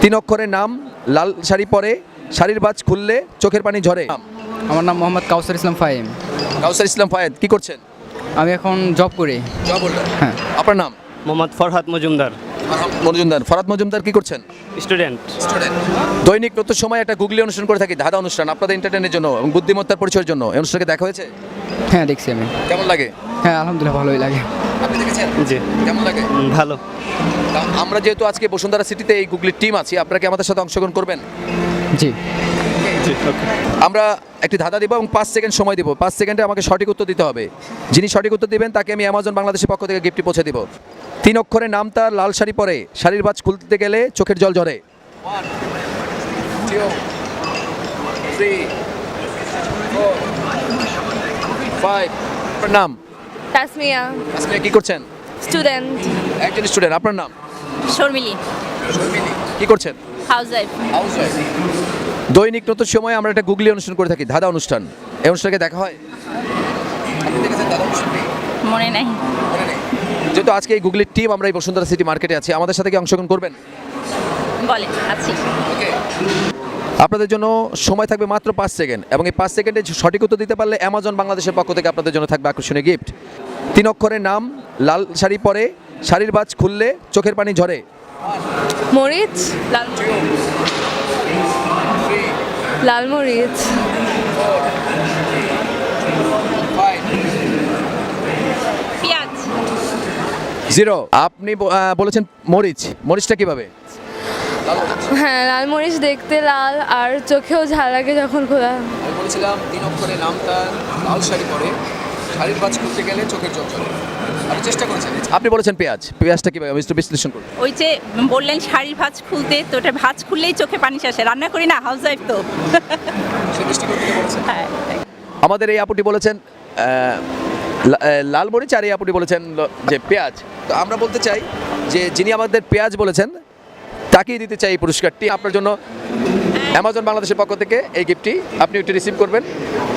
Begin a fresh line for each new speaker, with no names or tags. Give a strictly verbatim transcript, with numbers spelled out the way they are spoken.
তিন অক্ষরের নাম, লাল শাড়ি পরে, শাড়ির বাজ খুললে চোখের পানি ঝরে।
আমার নাম মোহাম্মদ কাউসার ইসলাম ফাহিম।
কাউসার ইসলাম ফায়েদ, কি করছেন?
আমি এখন জব করি। হ্যাঁ।
আপনার নাম?
মোহাম্মদ ফরহাদ মজুমদার,
মজুমদার। ফরাদ মজুমদার, কি করছেন?
স্টুডেন্ট।
দৈনিক নতুন সময় একটা গুগলি অনুষ্ঠান করে থাকি, ধাঁধা অনুষ্ঠান, আপনাদের এন্টারটেনের জন্য এবং বুদ্ধিমত্তার পরিচয়ের জন্য। এই অনুষ্ঠানকে দেখা হয়েছে?
হ্যাঁ, দেখছি আমি।
কেমন লাগে?
হ্যাঁ, আলহামদুলিল্লাহ ভালোই লাগে।
আপনি দেখেছেন?
জি।
কেমন লাগে?
উম, ভালো।
তা আমরা যেহেতু আজকে বসুন্ধরা সিটিতে এই গুগলির টিম আছি, আপনারা কি আমাদের সাথে অংশগ্রহণ করবেন?
জি।
জি, ওকে।
আমরা একটি ধাঁধা দিব এবং পাঁচ সেকেন্ড সময় দিব। পাঁচ সেকেন্ডে আমাকে সঠিক উত্তর দিতে হবে। যিনি সঠিক উত্তর দিবেন তাকে আমি অ্যামাজন বাংলাদেশের পক্ষ থেকে গিফটটি পৌঁছে দিব। তিন অক্ষরের নাম তার, লাল শাড়ি পরে, শাড়ির বাজ খুলতে গেলে চোখের জল ঝরে। আপনার নাম?
তাসমিয়া,
আজকে কি করছেন?
স্টুডেন্ট।
একজন স্টুডেন্ট। আপনার নাম?
শর্মিলি,
কি করছেন?
হাউসওয়াইফ।
দৈনিক নতুন সময় আমরা একটা গুগলি অনুষ্ঠান করে থাকি, ধাঁধা অনুষ্ঠান। এই অনুষ্ঠানকে দেখা হয়? আপনি দেখেছেন ধাঁধা অনুষ্ঠানটি?
মনে নাই।
মনে নেই। যেহেতু আজকে এই গুগলির টিম আমরা এই বসুন্ধরা সিটি মার্কেটে আছি, আমাদের সাথে কি অংশগ্রহণ করবেন?
বলেন, আছি।
আপনাদের জন্য সময় থাকবে মাত্র পাঁচ সেকেন্ড এবং এই পাঁচ সেকেন্ডে সঠিক উত্তর দিতে পারলে অ্যামাজন বাংলাদেশের পক্ষ থেকে আপনাদের জন্য থাকবে আকর্ষণীয় গিফট। তিন অক্ষরের নাম, লাল শাড়ি পরে, শাড়ির বাজ খুললে চোখের পানি ঝরে।
মরিচ, লাল লাল মরিচ, পেঁয়াজ।
জিরো। আপনি ব- আহ, বলেছেন মরিচ। মরিচটা কিভাবে?
হ্যাঁ, লাল মরিচ দেখতে লাল আর চোখেও ঝাল লাগে যখন খোলা।
আমি বলেছিলাম তিন অক্ষরের নাম তার, লাল শাড়ি পরে, শাড়ির বাজ খুলতে গেলে চোখের জল ঝরে। আপনি চেষ্টা করেছেন। আপনি বলেছেন পেঁয়াজ। পেঁয়াজটা কিভাবে? আমি একটু বিশ্লেষণ করুন।
ওই যে বললেন শাড়ির ভাঁজ খুলতে, তো ওটা ভাঁজ খুললেই চোখে পানি আসে। রান্না করি না, হাউস ওয়াইফ তো। হ্যাঁ।
আমাদের এই আপুটি বলেছেন আহ, লা- আহ, লাল মরিচ, আর এই আপুটি বলেছেন ল- যে পেঁয়াজ। তো আমরা বলতে চাই যে যিনি আমাদের পেঁয়াজ বলেছেন তাকেই দিতে চাই এই পুরস্কারটি। আপনার জন্য অ্যামাজন বাংলাদেশের পক্ষ থেকে এই গিফটটি আপনি একটু রিসিভ করবেন।